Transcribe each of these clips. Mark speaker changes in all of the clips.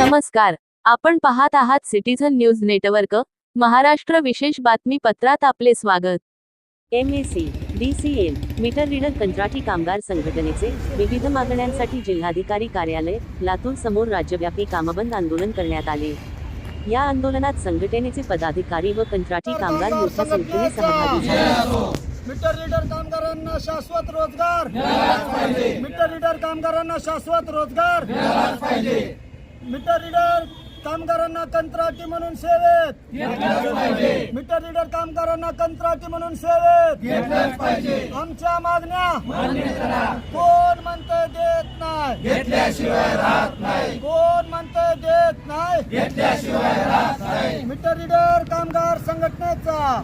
Speaker 1: नमस्कार, आपण पाहत आहात सिटीझन न्यूज नेटवर्क महाराष्ट्र विशेष बातमीपत्रात आपले स्वागत। MAC, DCL, मीटर रीडर कंत्राटी कामगार संघटनेचे विविध मागण्यांसाठी जिल्हाधिकारी कार्यालय लातूर समोर राज्यव्यापी कामबंद आंदोलन करण्यात आले। या आंदोलनात संघटनेचे पदाधिकारी व कंत्राटी कामगार मोठ्या संख्येने सहभागी झाले।
Speaker 2: मीटर रीडर कामगारांना शाश्वत रोजगार मिळालाच पाहिजे। मीटर रीडर कामगारांना शाश्वत रोजगार मिळालाच पाहिजे। मीटर रीडर कामगारांना कंत्राटी म्हणून सेवेत घेतलाच पाहिजे। मीटर रीडर कामगारांना कंत्राटी म्हणून सेवेत घेतलाच पाहिजे। आमच्या मागण्या मान्य करा। कोण म्हणते देत नाही, घेतल्याशिवाय राहत नाही। कोण म्हणते देत नाही, घेतल्याशिवाय राहत नाही। मीटर रीडर कामगार संघटनेचा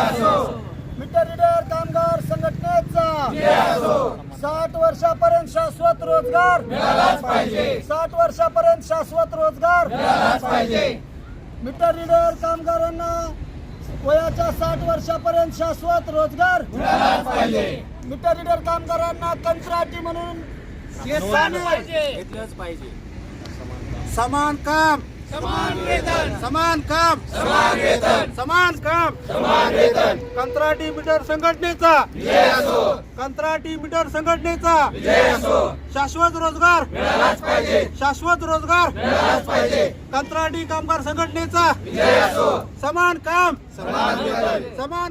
Speaker 2: मीटर रीडर कामगार संघटनेचा 60 वर्षापर्यंत शाश्वत रोजगार मिळालाच पाहिजे। 60 वर्षापर्यंत शाश्वत रोजगार मिळालाच पाहिजे। मीटर रीडर कामगारांना वयाच्या 60 वर्षापर्यंत शाश्वत रोजगार मिळालाच पाहिजे। मीटर रीडर कामगारांना कंत्राटी म्हणून घेतलंच पाहिजे। समान काम समान वेतन, समान काम समान वेतन, समान काम समान वेतन। कंत्राटी मीटर संघटनेचा विजय असो, कंत्राटी मीटर संघटनेचा विजय असो। शाश्वत रोजगार मिळालाच पाहिजे, शाश्वत रोजगार मिळालाच पाहिजे। कंत्राटी कामगार संघटनेचा विजय असो, समान काम समान वेतन, समान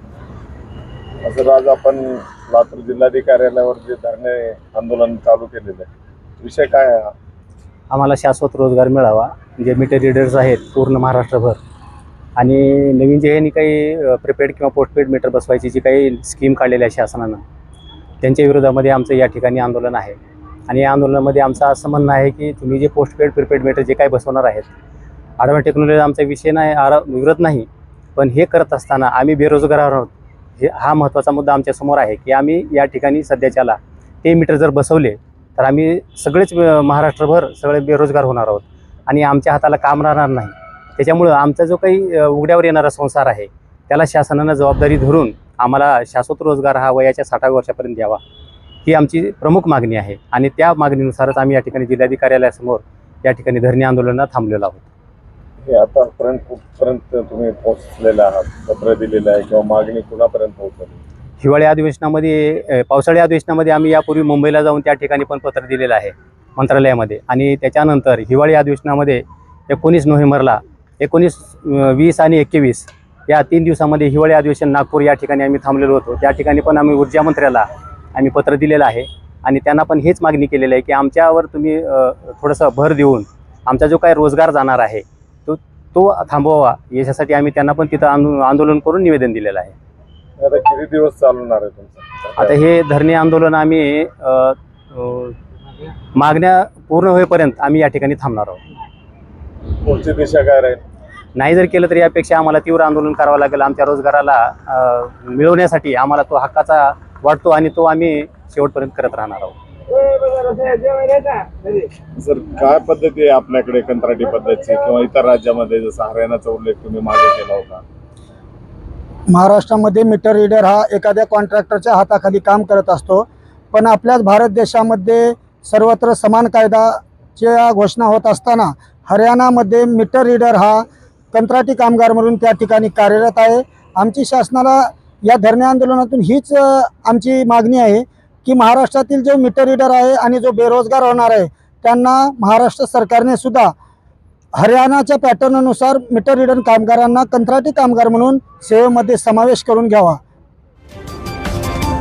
Speaker 2: काम।
Speaker 3: असं आज आपण लातूर जिल्हाधिकाऱ्यालयावर जे धरणे आंदोलन चालू केलेलं आहे, विषय काय आहे?
Speaker 4: आम्हाला शाश्वत रोजगार मिळावा, जे मीटर रीडर्स आहेत पूर्ण महाराष्ट्रभर, आणि नवीन जे ह्यांनी काही प्रीपेड किंवा पोस्टपेड मीटर बसवायची जी काही स्कीम काढलेली आहे शासनानं, त्यांच्या विरोधामध्ये आमचं या ठिकाणी आंदोलन आहे। आणि या आंदोलनामध्ये आमचं असं म्हणणं आहे की तुम्ही जे पोस्टपेड प्रीपेड मीटर जे काही बसवणार आहेत, ॲडव्हान्स टेक्नॉलॉजी आमचा विषय नाही, विरोध नाही, पण हे करत असताना आम्ही बेरोजगार आहोत, हा महत्त्वाचा मुद्दा आमच्यासमोर आहे की आम्ही या ठिकाणी सध्याच्याला ते मीटर जर बसवले तर आम्ही सगळेच महाराष्ट्रभर सगळे बेरोजगार होणार आहोत आणि आमच्या हाताला काम राहणार नाही। त्याच्यामुळं आमचा जो काही उघड्यावर येणारा संसार आहे त्याला शासनानं जबाबदारी धरून आम्हाला शाश्वत रोजगार हा वयाच्या 60व्या वर्षापर्यंत द्यावा, ही आमची प्रमुख मागणी आहे। आणि त्या मागणीनुसारच आम्ही या ठिकाणी जिल्हाधिकारी कार्यालयासमोर या ठिकाणी धरणे आंदोलनात थांबलेलो आहोत।
Speaker 3: हे आतापर्यंत कुठपर्यंत तुम्ही पोहोचलेले आहात, पत्र दिलेलं आहे किंवा मागणी कुणापर्यंत पोहोचली?
Speaker 4: हिवाळी अधिवेशनामध्ये, पावसाळी अधिवेशनामध्ये आम्ही यापूर्वी मुंबईला जाऊन त्या ठिकाणी पण पत्र दिलेलं आहे मंत्रालयामध्ये, आणि त्याच्यानंतर हिवाळी अधिवेशनामध्ये 19 नोव्हेंबरला 19, 20 आणि 21 या 3 दिवसामध्ये हिवाळी अधिवेशन नागपूर या ठिकाणी आम्ही थांबलेलो होतो। त्या ठिकाणी पण आम्ही ऊर्जा मंत्र्याला आम्ही पत्र दिलेलं आहे आणि त्यांना पण हेच मागणी केलेली आहे की आमच्यावर तुम्ही थोडंसं भर देऊन आमचा जो काही रोजगार जाणार आहे तो थांबवावा, याच्यासाठी आम्ही त्यांना पण तिथं आंदोलन करून निवेदन दिलेलं आहे।
Speaker 3: आता किती दिवस चालणार आहे तुमचं?
Speaker 4: आता हे धरणे आंदोलन आम्ही मागण्या पूर्ण होईपर्यंत आम्ही या ठिकाणी थांबणार आहोत।
Speaker 3: पुढची दिशा काय राहील?
Speaker 4: नाही जर केलं तर यापेक्षा आम्हाला तीव्र आंदोलन करावं लागेल। आमच्या रोजगाराला मिळवण्यासाठी आम्हाला तो हक्काचा वाटतो आणि तो आम्ही शेवटपर्यंत करत राहणार आहोत।
Speaker 3: सर, काय पद्धती आहे आपल्याकडे कंत्राटी पद्धतीची किंवा इतर राज्यामध्ये, जसं हरियाणाचा उल्लेख तुम्ही मागे केला होता?
Speaker 2: महाराष्ट्रामध्ये मीटर रीडर हा एखाद्या कॉन्ट्रॅक्टरच्या हाताखाली काम करत असतो, पण आपल्याच भारत देशामध्ये सर्वत्र समान कायदाच्या घोषणा होत असताना हरियाणामध्ये मीटर रीडर हा कंत्राटी कामगार म्हणून त्या ठिकाणी कार्यरत आहे। आमची शासनाला या धरणे आंदोलनातून हीच आमची मागणी आहे की महाराष्ट्रातील जो मीटर रीडर आहे आणि जो बेरोजगार होणार आहे त्यांना महाराष्ट्र सरकारने सुद्धा हरियाणाच्या पॅटर्ननुसार मीटर रीडर कामगारांना कंत्राटी कामगार म्हणून सेवेमध्ये समावेश करून घ्यावा।